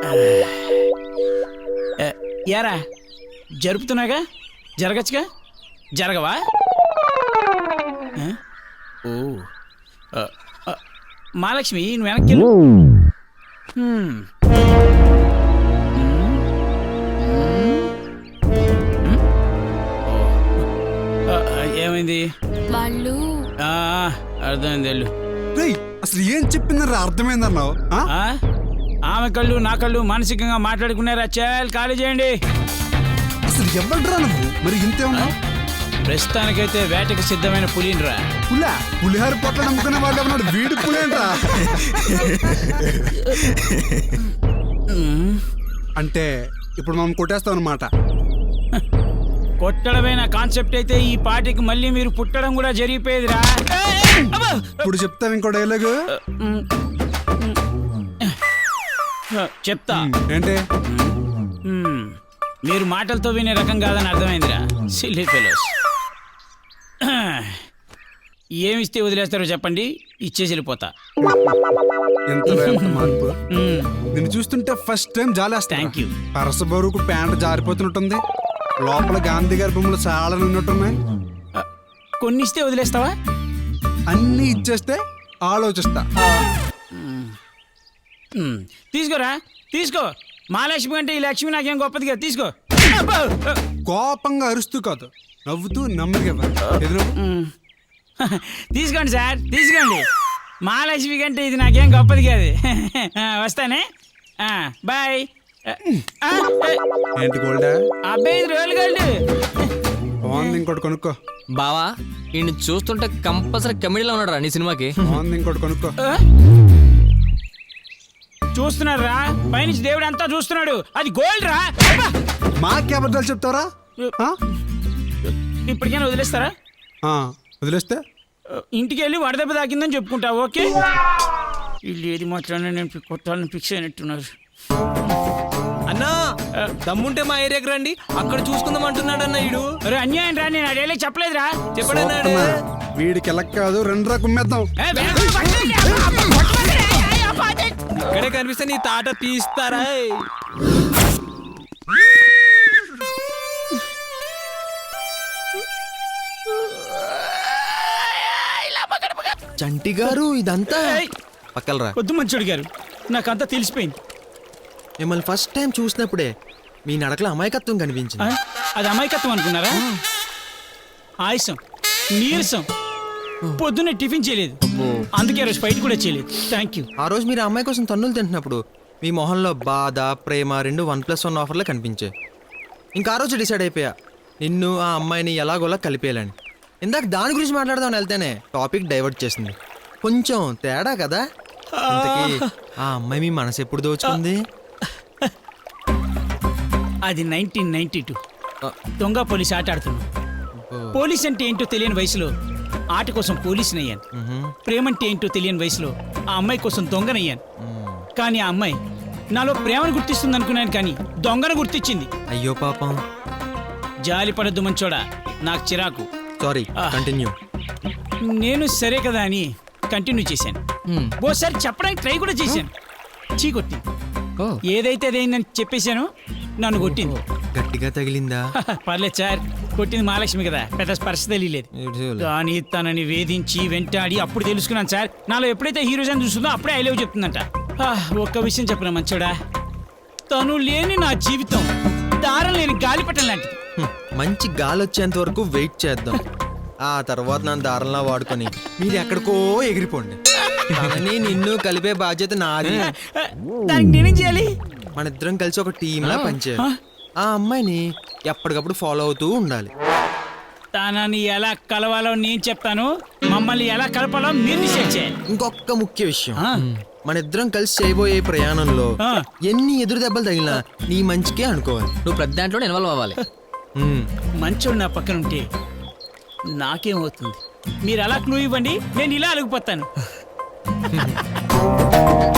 యారా జరుపుతున్నాగా, జరగచ్చుగా, జరగవా? ఓ మహాలక్ష్మి నువ్వు వెనక్కి వెళ్ళు. ఏమైంది? వాళ్ళు అర్థమైంది వెళ్ళు. అసలు ఏం చెప్పిందరా అర్థమైందన్నావు? ఆమె కళ్ళు నా కళ్ళు మానసికంగా మాట్లాడుకున్నారా? చాలు ఖాళీ చేయండి. అసలు ఎవడ్రా నువ్వు? మరి ఇంతే ఉన్నావు? ప్రస్తుతానికైతే వేటకి సిద్ధమైన పులినిరా. పులిహార పొట్ల నమ్ముకునే వాళ్ళు ఉన్నాడు, వీడి పులేంట్రా. అంటే ఇప్పుడు మనం కొట్టేస్తాం అన్నమాట. కొట్టడమైన కాన్సెప్ట్ అయితే ఈ పార్టీకి మళ్ళీ మీరు పుట్టడం కూడా జరిగిపోయేదిరా. ఇప్పుడు చెప్తావు ఇంకో డైలాగు. చెప్తా. ఏంటి? మీరు మాటలతో వినే రకం కాదని అర్థమైందిరా. Silly fellows. ఏమిస్తే వదిలేస్తారో చెప్పండి, ఇచ్చేసి వెళ్ళిపోతా. ఎంత మార్పు! నిన్ను చూస్తుంటే ఫస్ట్ టైం జాలేస్తా. Thank you. పరస బరువుకు ప్యాంట్ జారిపోతున్నట్టుంది, లోపల గాంధీ గారి బొమ్మలు చాలా ఉన్నట్టున్నాయి. కొన్ని ఇస్తే వదిలేస్తావా? అన్ని ఇచ్చేస్తే ఆలోచిస్తా. తీసుకోరా, తీసుకో. మహాలక్ష్మి అంటే ఈ లక్ష్మి నాకేం గొప్పదిగా. తీసుకో. కోపంగా అరుస్తూ కాదు, నవ్వుతూ నెమ్మదిగా. తీసుకోండి సార్, తీసుకోండి. మహాలక్ష్మి కంటే ఇది నాకేం గొప్పది కాదు. వస్తానే, బాయ్. ఏంటి గోల్డా? అబ్బాయి 5 రోజులు గోల్డ్ బాగుంది, ఇంకోటి కొనుక్కో. బావా ఈయన చూస్తుంటే కంపల్సరీ కమెడీలో ఉన్నాడు నీ సినిమాకి. బాగుంది, ఇంకోటి కొనుక్కో. చూస్తున్నారా? పైనుంచి దేవుడు అంతా చూస్తున్నాడు. అది గోల్డ్ రా. మాకే అబద్ధాలు చెప్తారా? ఇప్పటికైనా వదిలేస్తారా? వదిలేస్తే ఇంటికి వెళ్ళి వడదెబ్బ తాకిందని చెప్పుకుంటా. ఓకే, వీళ్ళు ఏది మాట్లాడినా నేను కొట్టాలని ఫిక్స్ అయినట్టున్నారు. అన్నా దమ్ముంటే మా ఏరియాకి రండి, అక్కడ చూసుకుందాం అంటున్నాడు అన్న. ఇడు అరే అన్యాయం రా, నేను అడేలే చెప్పలేదురా. చెప్పడన్నాడు. వీడికి ఎలా కాదు, 2 రా కుమ్మేద్దాం. ఇక్కడే కనిపిస్తే నీ తాట తీస్తారా? చంటి గారు ఇదంతా పక్కలరా. వద్దు మంచోడు గారు, నాకంతా తెలిసిపోయింది. మిమ్మల్ని ఫస్ట్ టైం చూసినప్పుడే మీ నడకలో అమాయకత్వం కనిపించింది. అది అమాయకత్వం అనుకున్నారా? ఆయాసం, నీరసం, పొద్దున్నే టిఫిన్ చేయలేదు, అందుకే రోజు ఫైట్ కూడా చేయలేదు. Thank you. ఆ రోజు మీరు అమ్మాయి కోసం తన్నులు తింటున్నప్పుడు మీ మొహంలో బాధ, ప్రేమ 2 1+1 ఆఫర్లే కనిపించాయి. ఇంకా ఆ రోజు డిసైడ్ అయిపోయా, నిన్ను ఆ అమ్మాయిని ఎలాగోలా కలిపేయాలని. ఇందాక దాని గురించి మాట్లాడదామని వెళ్తేనే టాపిక్ డైవర్ట్ చేసింది. కొంచెం తేడా కదా. ఇంతకీ ఆ అమ్మాయి మీ మనసు ఎప్పుడు దోచుకుంది? అది 1992 దొంగ పోలీస్ ఆట ఆడుతున్నాం. పోలీస్ అంటే ఏంటో తెలియని వయసులో ఆట కోసం పోలీసుని అయ్యాను. ప్రేమంటే ఏంటో తెలియని వయసులో ఆ అమ్మాయి కోసం దొంగనయ్యాను. కానీ ఆ అమ్మాయి నాలో ప్రేమను గుర్తిస్తుంది అనుకున్నాను, కానీ దొంగను గుర్తించింది. అయ్యో పాపం. జాలి పడద్దు మంచోడా, నాకు చిరాకు. Sorry, continue. నేను సరే కదా అని కంటిన్యూ చేశాను. ఓసారి చెప్పడానికి ట్రై కూడా చేశాను. చీ కొట్టింది. ఏదైతే అదేందని చెప్పేశాను, నన్ను కొట్టింది. గట్టిగా తగిలిందా? పర్లేదు సార్, కొట్టింది మహాలక్ష్మి కదా, పెద్ద స్పర్శ తెలియలేదు. కానీ తనని వేధించి వెంటాడి అప్పుడు తెలుసుకున్నాను సార్, నాలో ఎప్పుడైతే హీరోజన్ చూస్తుందో అప్పుడే ఐ లవ్ చెప్తుందంట. ఒక్క విషయం చెప్పిన మంచోడా, తను లేని నా జీవితం దారం లేని గాలిపటం లాంటిది. మంచి గాలి వచ్చేంత వరకు వెయిట్ చేద్దాం. ఆ తర్వాత నన్ను దారంలా వాడుకొని మీరు ఎక్కడికో ఎగిరిపోండి. కానీ నిన్ను కలిపే బాధ్యత నాది. దానికి నేనేం చేయాలి? మన ఇద్దరం కలిసి ఒక టీంలా పనిచేయాలి. ఆ అమ్మాయిని ఎప్పటికప్పుడు ఫాలో అవుతూ ఉండాలి. తనని ఎలా కలవాలో నేను చెప్తాను, మమ్మల్ని ఎలా కలపాలో మీరు డిసైడ్ చేయాలి. ఇంకొక ముఖ్య విషయం, మన ఇద్దరం కలిసి చేయబోయే ప్రయాణంలో ఎన్ని ఎదురు దెబ్బలు తగిలినా నీ మంచికే అనుకోవాలి. నువ్వు ప్రతి దాంట్లో ఇన్వాల్వ్ అవ్వాలి. మంచోడు నా పక్కన ఉంటే నాకేమవుతుంది? మీరు అలా క్లూ ఇవ్వండి, నేను ఇలా అలిగిపోతాను.